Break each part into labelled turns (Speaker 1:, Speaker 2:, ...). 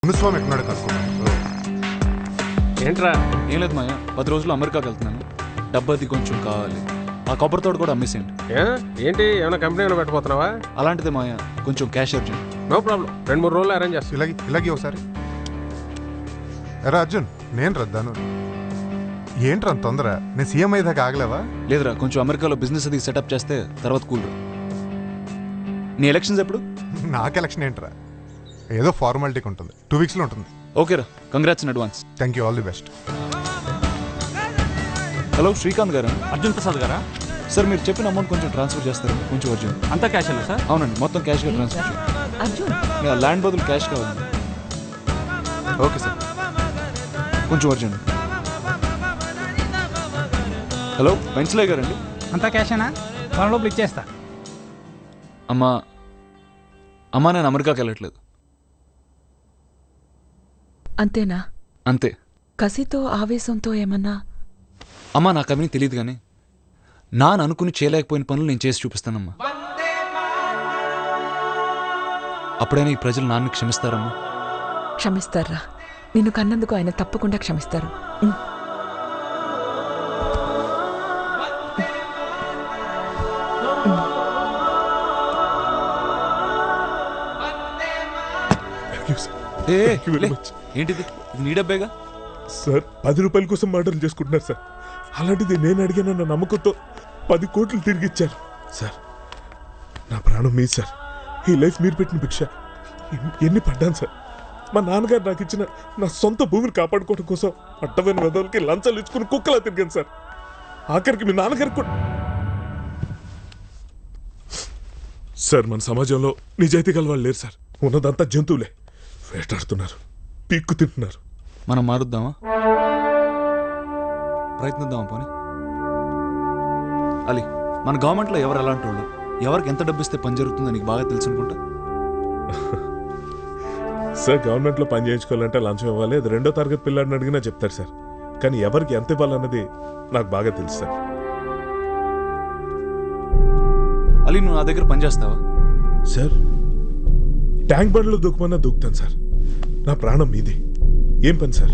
Speaker 1: మునుస్వామి ఎక్కడున్నాడు కనుక్కున్నాను.
Speaker 2: ఏంట్రా?
Speaker 3: ఏం లేదు మాయ, 10 రోజులు అమెరికాకి వెళ్తున్నాను. డబ్బది కొంచెం కావాలి. ఆ కొబ్బరి తోట కూడా అమ్మేసేయండి.
Speaker 2: ఏంటి ఏమైనా కంపెనీ ఏమైనా పెట్టబోతున్నావా?
Speaker 3: అలాంటిదే మాయ, కొంచెం క్యాష్ అర్జెంట్.
Speaker 2: నో ప్రాబ్లం, 2-3 రోజులు అరేంజ్ చేస్తాను.
Speaker 1: ఇలాగే ఒకసారి. ఎరా అర్జున్, నేను రద్దాను. ఏంట్రా తొందర? నేను సీఎం అయ్యేదాకా ఆగలేవా?
Speaker 3: లేదురా, కొంచెం అమెరికాలో బిజినెస్ అది సెటప్ చేస్తే తర్వాత కూల్. నీ ఎలక్షన్స్ ఎప్పుడు?
Speaker 1: నాకు ఎలక్షన్ ఏంట్రా, ఏదో ఫార్మాలిటీకి ఉంటుంది, 2 వీక్స్లో ఉంటుంది.
Speaker 3: ఓకేరా, congrats in advance.
Speaker 1: Thank you, all the best.
Speaker 3: Hello Srikanth garu.
Speaker 4: Arjun Prasad గారా?
Speaker 3: సార్ మీరు చెప్పిన అమౌంట్ కొంచెం ట్రాన్స్ఫర్ చేస్తారు, కొంచెం అర్జెంట్.
Speaker 4: అంతా క్యాష్ అన్నా సార్?
Speaker 3: అవునండి, మొత్తం క్యాష్గా ట్రాన్స్ఫర్ చేయండి. ల్యాండ్ బదులు క్యాష్ కావాలి. ఓకే సార్, కొంచెం అర్జెంట్. హలో వెంచలే గారండి?
Speaker 4: అంతా క్యాషేనా? వారం లోపల ఇచ్చేస్తా.
Speaker 3: అమ్మా నేను అమెరికాకి వెళ్ళట్లేదు.
Speaker 5: అంతేనా?
Speaker 3: అంతే.
Speaker 5: కసితో ఆవేశంతో ఏమన్నా?
Speaker 3: అమ్మా నాకు అవన్నీ తెలియదు, కానీ నాన్న అనుకుని చేయలేకపోయిన పనులు నేను చేసి చూపిస్తానమ్మా. అప్పుడైనా ఈ ప్రజలు నాన్నని క్షమిస్తారమ్మా?
Speaker 5: క్షమిస్తారా? నిన్ను కన్నందుకు ఆయన తప్పకుండా క్షమిస్తారు.
Speaker 3: ఏంటిది? ఇది నీ డబ్బేగా
Speaker 6: సార్. 10 రూపాయల కోసం మర్డర్ చేసుకుంటున్నారు సార్. అలాంటిది నేను అడిగిన నమ్మకంతో 10 కోట్లు తిరిగి ఇచ్చారు సార్. నా ప్రాణం మీ సార్. ఈ లైఫ్ మీరు పెట్టిన భిక్ష. ఎన్ని పడ్డాను సార్. మా నాన్నగారు నాకు ఇచ్చిన నా సొంత భూమిని కాపాడుకోవడం కోసం అడ్డమైన వెదవులకి లంచాలు ఇచ్చుకుని కుక్కలా తిరిగాను సార్. ఆఖరికి మీ నాన్నగారికి కూడా. సార్ మన సమాజంలో నిజాయితీ గల వాళ్ళు లేరు సార్. ఉన్నదంతా జంతువులే. వేటాడుతున్నారు, పీక్కు తింటున్నారు.
Speaker 3: మనం మారుద్దామా? ప్రయత్నిద్దామా పోనీ? అలీ, మన గవర్నమెంట్లో ఎవరు ఎలాంటి వాళ్ళు, ఎవరికి ఎంత డబ్బు ఇస్తే పని జరుగుతుందో నీకు బాగా తెలుసు అనుకుంటా.
Speaker 6: సార్ గవర్నమెంట్లో పని చేయించుకోవాలంటే లంచం ఇవ్వాలి, అది 2వ తరగతి పిల్లాడిని అడిగినా చెప్తారు సార్. కానీ ఎవరికి ఎంత ఇవ్వాలన్నది నాకు బాగా తెలుసు సార్.
Speaker 3: అలీ, నువ్వు నా దగ్గర పని చేస్తావా?
Speaker 6: సార్ ట్యాంక్ బండ్లో దూకమన్నా దూకుతాను సార్. నా ప్రాణం మీది. ఏం పని సార్?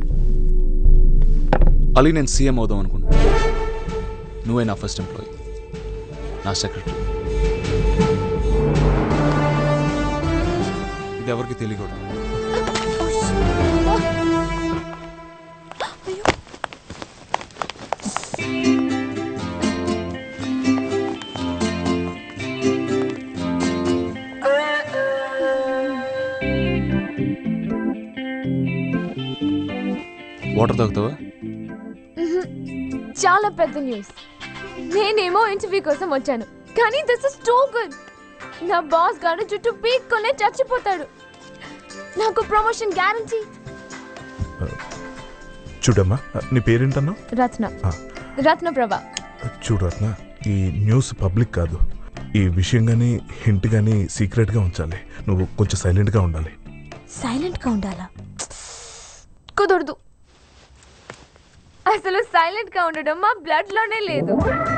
Speaker 3: అలీ, నేను సీఎం అవుదాం అనుకుంటా. నువ్వే నా ఫస్ట్ ఎంప్లాయీ, నా సెక్రటరీ. ఇది ఎవరికి తెలియకూడదు. వాటర్ తాగుతావా?
Speaker 7: చాలా పెద్ద న్యూస్. నేనేమో ఇంటర్వ్యూ కోసం వచ్చాను, కానీ దిస్ ఇస్ టూ గుడ్. నా బాస్ గారు జుట్టు పీక్కొనే చచ్చిపోతాడు. నాకు ప్రమోషన్ గ్యారంటీ.
Speaker 6: చూడమ్మా, నీ పేరేంటన్నా?
Speaker 7: రత్నప్రభ.
Speaker 6: చూడు రత్న, ఈ న్యూస్ పబ్లిక్ కాదు. ఈ విషయం కానీ హింట్ కానీ సీక్రెట్గా ఉంచాలి. నువ్వు కొంచెం సైలెంట్గా ఉండాలి.
Speaker 7: సైలెంట్గా ఉండాలా? కుదరదు. అసలు సైలెంట్ గా ఉండడం మా బ్లడ్ లోనే లేదు.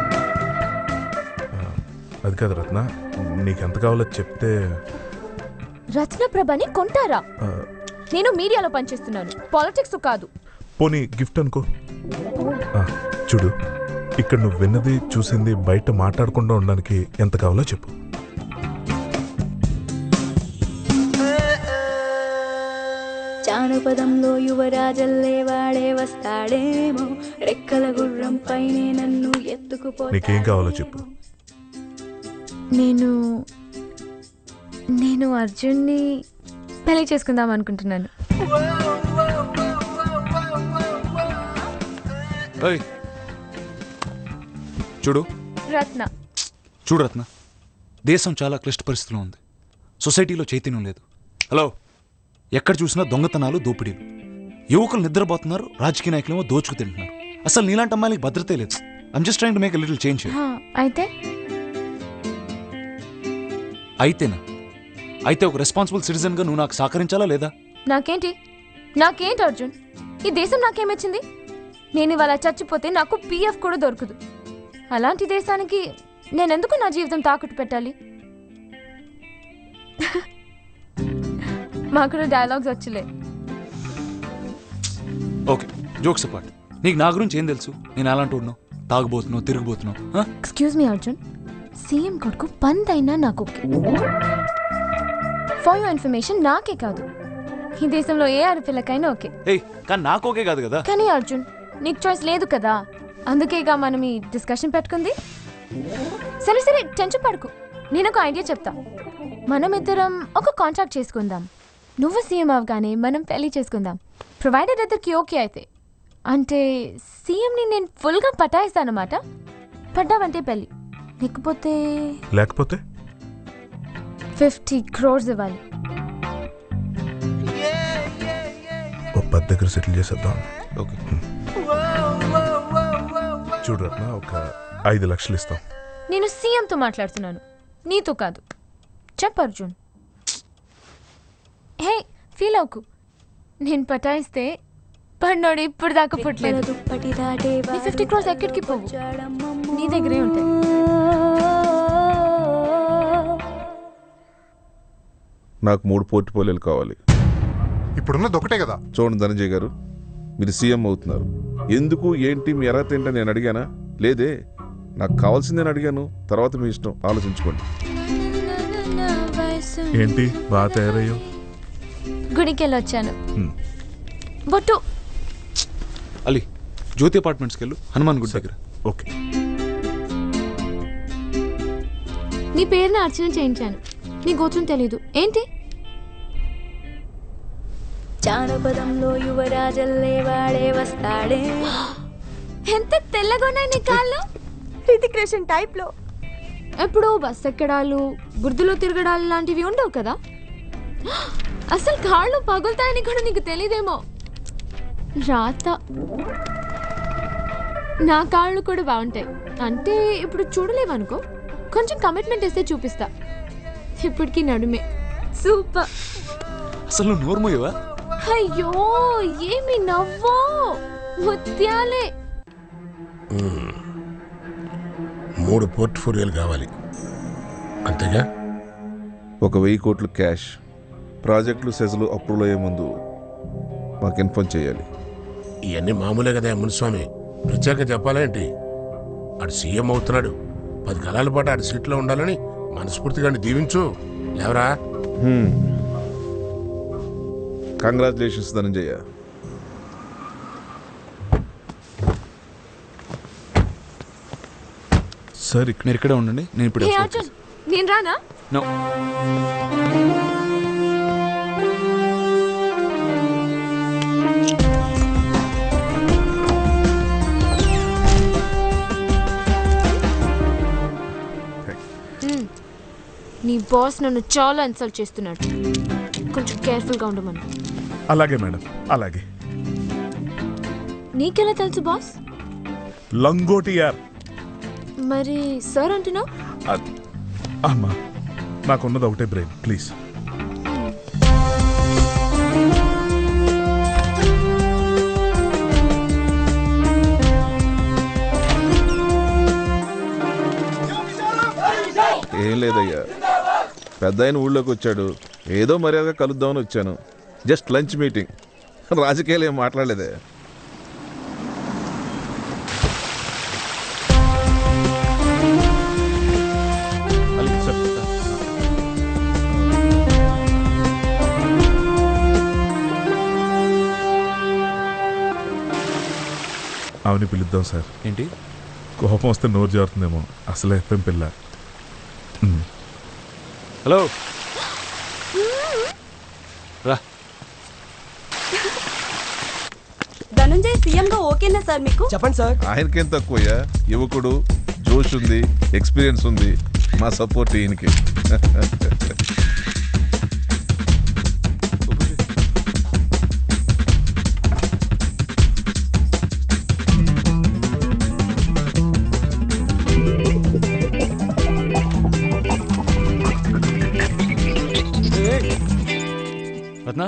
Speaker 6: అది కాదు రత్న, నీకెంత కావాలో చెప్తే.
Speaker 7: రత్నప్రభని కొంటారా? నేను మీడియాలో పనిచేస్తున్నాను, పాలిటిక్స్ కాదు.
Speaker 6: పోనీ గిఫ్ట్ అనుకో. చూడు, ఇక్కడ నువ్వు విన్నది చూసింది బయట మాట్లాడకుండా ఉండడానికి ఎంత కావాలో చెప్పు.
Speaker 8: జానపదంలో యువరాజల్లే వాడే వస్తాడేమో, రెక్కల గుర్రం పైనే నన్ను ఎత్తుకుపో.
Speaker 6: నీకేం కావాలో చెప్పు.
Speaker 7: నేను అర్జున్ని పెళ్లి చేసుకుందాం అనుకుంటున్నాను.
Speaker 3: చూడు రత్న, దేశం చాలా క్లిష్ట పరిస్థితిలో ఉంది. సొసైటీలో చైతన్యం లేదు. హలో, ఎక్కడ చూసినా దొంగతనాలు, దోపిడీలు. యువకులు నిద్రపోతున్నారు, రాజకీయ నాయకులేమో దోచుకు తింటున్నారు. అసలు నీలాంటి అమ్మాయిలకి భద్రతే లేదు. I'm just trying to make a little change. అయితే ఒక రెస్పాన్సిబుల్ సిటిజన్ గా నువ్వు నాకు సహకరించాలా లేదా?
Speaker 7: నాకేంటి అర్జున్, ఈ దేశం నాకేమిచ్చింది? నేను ఇవాళ చచ్చిపోతే నాకు PF కూడా దొరకదు. అలాంటి దేశానికి నేనెందుకు నా జీవితం తాకట్టు పెట్టాలి? మాకు కూడా డైలాగ్స్ వచ్చలే.
Speaker 3: Okay, jokes apart. నీకు నా గురించి ఏం తెలుసు? నేను అలాంటి ఉన్నావు, తాగుబోతున్నావు, తిరిగిపోతున్నావు.
Speaker 7: ఎక్స్క్యూజ్ మీ అర్జున్, సీఎం కొడుకు పంతైనా నాకు ఓకే. ఫర్ యువర్ ఇన్ఫర్మేషన్, నాకే కాదు ఈ దేశంలో ఏ ఆడపిల్లకైనా ఓకే.
Speaker 3: ఏయ్, కానీ నాకు ఓకే కాదు కదా.
Speaker 7: కానీ అర్జున్, నీకు చాయిస్ లేదు కదా, అందుకేగా మనం ఈ డిస్కషన్ పెట్టుకుంది. సరే సరే, టెన్షన్ పడుకు. నేను ఒక ఐడియా చెప్తా. మనం ఇద్దరం ఒక కాంట్రాక్ట్ చేసుకుందాం. నువ్వు సీఎం అవగానే మనం పెళ్లి చేసుకుందాం, ప్రొవైడెడ్ ఇద్దరికి ఓకే అయితే. అంటే సీఎంని నేను ఫుల్గా పటాయిస్తానమాట. పడ్డావంటే పెళ్ళి, లేకపోతే 50 crores ఇవ్వాలి.
Speaker 6: ఓ 10 దగ్గర సెటిల్ చేసేద్దాం.
Speaker 3: ఓకే,
Speaker 6: చూడు రత్న, ఒక 5 లక్షలు ఇస్తాం.
Speaker 7: నేను సీఎంతో మాట్లాడుతున్నాను, నీతో కాదు. చెప్పు అర్జున్. హే, ఫీల్ అవుకు. నేను పటాయిస్తే పన్నోడు ఇప్పుడు దాకా పుట్టలేదు.
Speaker 8: దుప్పటి దాటే
Speaker 7: నీ 50 crores ఎక్కడికి పోవు, నీ దగ్గరే ఉంటాయి.
Speaker 9: నాకు 3 పోర్ట్ఫోలియోలు కావాలి.
Speaker 1: ఇప్పుడున్నది ఒకటే కదా.
Speaker 9: చూడండి ధనంజయ్ గారు, మీరు సీఎం అవుతున్నారు. ఎందుకు, ఏంటి, మీ అర్హత ఏంటని నేను అడిగానా? లేదే. నాకు కావాల్సిందని అడిగాను. తర్వాత మీ ఇష్టం, ఆలోచించుకోండి.
Speaker 6: ఏంటి బాగా తయారయ్యో?
Speaker 7: గుడికి వెళ్ళి వచ్చాను. బొట్టు
Speaker 3: అలీ, జ్యోతి అపార్ట్మెంట్స్కి వెళ్ళు, హనుమాన్ గుడి దగ్గర.
Speaker 6: ఓకే.
Speaker 7: నీ పేరుని అర్చన చేయించాను. నీ గోత్రం తెలీదు ఏంటి?
Speaker 8: జానపదంలో యువరాజల్లే వాడే వస్తాడే.
Speaker 7: ఎంత తెల్లగా ఉన్నాయి నీ కాళ్ళు.
Speaker 5: హృతిక్ రోషన్ టైప్ లో.
Speaker 7: ఎప్పుడో బస్ ఎక్కడాలు, బురదలో తిరగడాలు లాంటివి ఉండవు కదా. అసలు కాళ్ళు పగులుతాయని కూడా నీకు తెలీదేమో. రాత. నా కాళ్ళు కూడా బాగుంటాయి. అంటే ఇప్పుడు చూడలేవనుకో, కొంచెం కమిట్మెంట్ వేస్తే చూపిస్తా. ఇప్పటికీ నడుమే సూపర్.
Speaker 3: అసలు నువ్వు నోర్మోయవా?
Speaker 7: అయ్యో, ఏమి నవ్వో, ముత్యాలే.
Speaker 10: 3 పోర్ట్ఫోలియోలు కావాలి అంతేగా?
Speaker 9: ఒక 1000 కోట్లు క్యాష్, ప్రాజెక్టులు సెజలు అప్రూవల్ అయ్యే ముందు మాకు ఇన్ఫార్మ్ చేయాలి.
Speaker 10: ఇవన్నీ మామూలే కదా మునిస్వామి, ప్రత్యేక చెప్పాలేంటి? ఆడు సీఎం అవుతున్నాడు, 10 కాలాల పాటు ఆడి సీట్లో ఉండాలని మనస్ఫూర్తిగా దీవించు. లేవరా?
Speaker 9: కంగ్రాచులేషన్స్ ధనంజయ.
Speaker 6: సార్,
Speaker 3: మీరు ఇక్కడే ఉండండి, నేను ఇప్పుడు
Speaker 7: హే అర్జున్, నేను రానా?
Speaker 3: నో.
Speaker 7: నీ బాస్ నన్ను చాలా ఇన్సల్ట్ చేస్తున్నాడు, కొంచెం కేర్ఫుల్గా ఉండమను.
Speaker 6: అలాగే మేడం, అలాగే.
Speaker 7: నీకెలా తెలుసు బాస్?
Speaker 6: లంగోటి యార్.
Speaker 7: మరి సార్ అంటున్నావు?
Speaker 6: అమ్మా, నాకున్నది ఒకటే బ్రెయిన్, ప్లీజ్.
Speaker 9: ఏం లేదయ్యా, పెద్ద ఆయన ఊళ్ళోకి వచ్చాడు, ఏదో మర్యాదగా కలుద్దామని వచ్చాను. జస్ట్ లంచ్ మీటింగ్, రాజకీయాలు ఏం మాట్లాడలేదే.
Speaker 3: అలీ సార్,
Speaker 6: అవని పిలుద్దాం సార్.
Speaker 3: ఏంటి?
Speaker 6: కోపం వస్తే నోరు జారుతుందేమో, అసలే ఎఫ్ఎం పిల్ల.
Speaker 3: హలో, రా.
Speaker 5: ధనంజయ్ సీఎం గా ఓకేనా సార్ మీకు?
Speaker 4: చెప్పండి సార్.
Speaker 9: ఆయనకేం తక్కువయ్యా, యువకుడు, జోష్ ఉంది, ఎక్స్పీరియన్స్ ఉంది. మా సపోర్ట్ ఈయనకి.
Speaker 3: రత్న,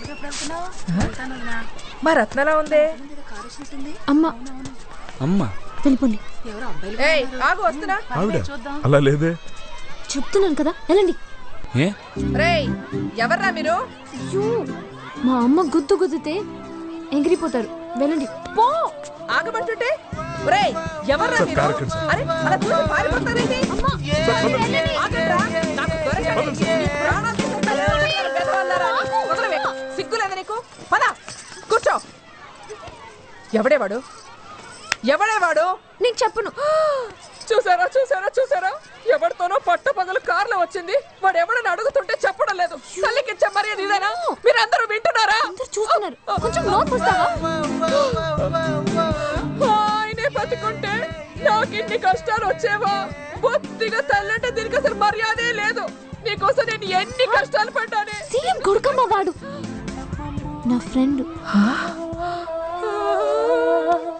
Speaker 5: మా రత్నలా ఉందే.
Speaker 7: అమ్మా,
Speaker 3: అమ్మ
Speaker 7: వెళ్ళిపోండి.
Speaker 11: ఆగు వస్తున్నా.
Speaker 6: ఆవిడ అలా లేదే.
Speaker 7: చెప్తున్నాను కదా వెళ్ళండి.
Speaker 3: ఏ
Speaker 11: రేయ్ ఎవర్రా మీరు?
Speaker 7: అయ్యో, మా అమ్మ గుద్దు గుద్దితే ఎగిరిపోతారు. వెళ్ళండి. పో.
Speaker 11: ఆగమంటుంటే రేయ్ ఎవర్రా
Speaker 6: సార్,
Speaker 11: మీరు?
Speaker 6: కారు ఎక్కండి సార్.
Speaker 11: అరే అలా చూసి పారిపోతారేంటి?
Speaker 7: అమ్మా, వెళ్ళండి.
Speaker 11: ఆగండ్రా, నాకు దొరకండి. మీ ప్రాణాలు తీసేస్తారు. బెదవాళ్ళారా? వదలవే. సిగ్గులేదా నీకు? పద కూర్చో. ఎవడేవాడు? ఎవడేవాడు?
Speaker 7: నీకు చెప్పను.
Speaker 11: చూసారా చూసారా చూసారా, ఎవరితోనో పట్ట పగలు కార్లో వచ్చింది. వాడు ఎవడని అడుగుతుంటే చెప్పడం లేదు. తల్లికిచ్చే మర్యాద ఇదేనా? మీరందరూ వింటున్నారా?
Speaker 7: అందరూ చూస్తున్నారు. కొంచెం నోట్ పుస్తావా?
Speaker 11: ఆయనే బతుకుంటే నాకు ఇన్ని కష్టాలు వచ్చేవా? బొత్తిగా తల్లంటే దీనికి అసలు మర్యాదే లేదు. నీకోసం నేను ఎన్ని కష్టాలు పడ్డానే.
Speaker 7: సీఎం కొడుకమ్మ వాడు, నా ఫ్రెండ్.